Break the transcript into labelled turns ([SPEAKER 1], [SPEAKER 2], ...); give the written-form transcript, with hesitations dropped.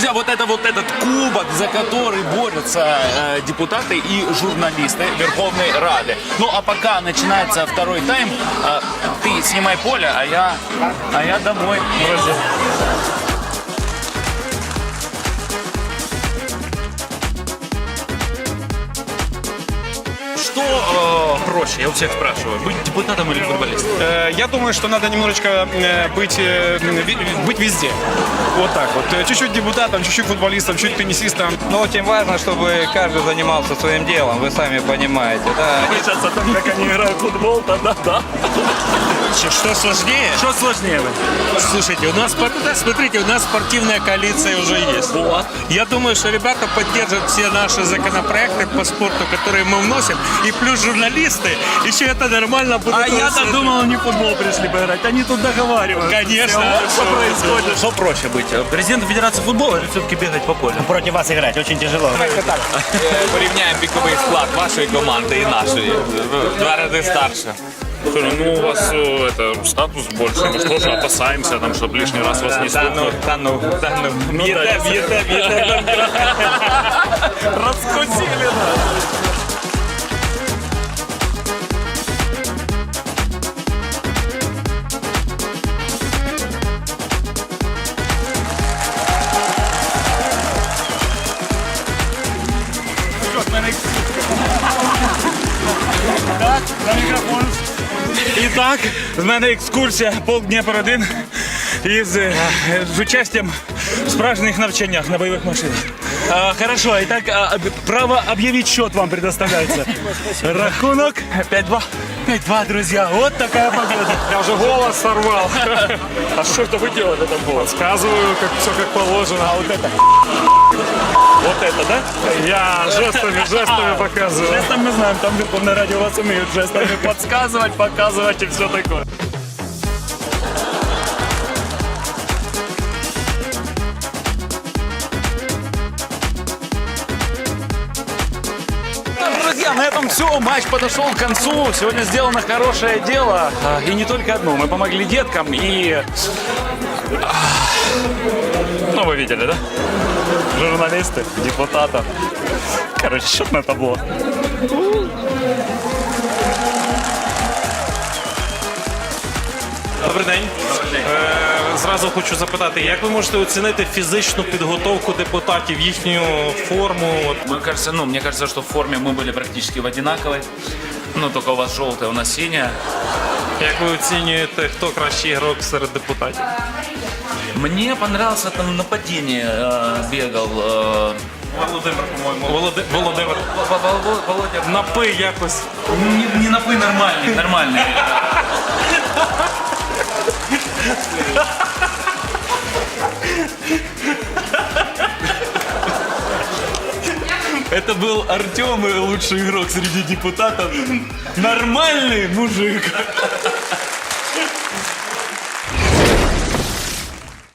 [SPEAKER 1] Друзья, вот этот кубок, за который борются депутаты и журналисты Верховной Рады. Ну а пока начинается второй тайм, ты снимай поле, а я домой, друзья. Что проще, я у всех спрашиваю, быть депутатом или футболистом?
[SPEAKER 2] Я думаю, что надо немножечко быть везде. Вот так вот. Чуть-чуть депутатом, чуть-чуть футболистом, чуть теннисистом.
[SPEAKER 3] Но очень важно, чтобы каждый занимался своим делом, вы сами понимаете. Да?
[SPEAKER 4] Сейчас о том, как они играют в футбол, да. Что сложнее?
[SPEAKER 1] Что сложнее?
[SPEAKER 4] Слушайте, смотрите, у нас спортивная коалиция уже есть.
[SPEAKER 1] Вот.
[SPEAKER 4] Я думаю, что ребята поддержат все наши законопроекты по спорту, которые мы вносим. И плюс журналисты, еще это нормально будет.
[SPEAKER 1] А я-то думал, они в футбол пришли поиграть. Они тут договариваются.
[SPEAKER 4] Конечно.
[SPEAKER 1] Что происходит? Что проще быть? Президентом Федерации футбола или все-таки бегать по полю?
[SPEAKER 5] Против вас играть очень тяжело.
[SPEAKER 6] Порівняємо віковий склад вашої команди і нашої. В 2 рази старше.
[SPEAKER 7] Слушай, ну у вас статус больше, мы что же опасаемся, там, чтобы лишний раз вас не стукнуть.
[SPEAKER 4] Б'єте.
[SPEAKER 1] Раскусили,
[SPEAKER 2] Итак, в мене екскурсія полк Дніпро-1 з участием в справжніх навчаннях на бойових машинах.
[SPEAKER 1] Хорошо, итак, право объявить счет вам предоставляется. Рахунок 5-2. 5-2, друзья. Вот такая победа.
[SPEAKER 2] Я вже голос сорвав.
[SPEAKER 4] А что это вы делаете там было?
[SPEAKER 2] Сказываю, как все как положено.
[SPEAKER 4] А вот это, да?
[SPEAKER 2] Я жестами показываю.
[SPEAKER 1] Жестом мы знаем, там Верховное радио вас умеют жестами подсказывать, показывать и все такое. Друзья, на этом все. Матч подошел к концу. Сегодня сделано хорошее дело. И не только одно. Мы помогли деткам и...
[SPEAKER 4] Ну, вы видели, да? Журналисты, депутаты. Короче, счет на табло.
[SPEAKER 8] Добрий день. Зразу хочу запитати, як ви можете оцінити фізичну підготовку депутатів, їхню форму?
[SPEAKER 1] Мне кажется, что в форме мы были практически в одинаковой. Ну, только у вас желтая, у нас синяя.
[SPEAKER 8] Як ви оцінюєте, хто кращий ігрок серед депутатів?
[SPEAKER 1] Мне понравился там нападение бегал.
[SPEAKER 8] Володимир, по-моєму. Володимир.
[SPEAKER 1] Володя.
[SPEAKER 8] Напи якось.
[SPEAKER 1] Не напы, нормальный. Это был Артем, лучший игрок среди депутатов. Нормальный мужик.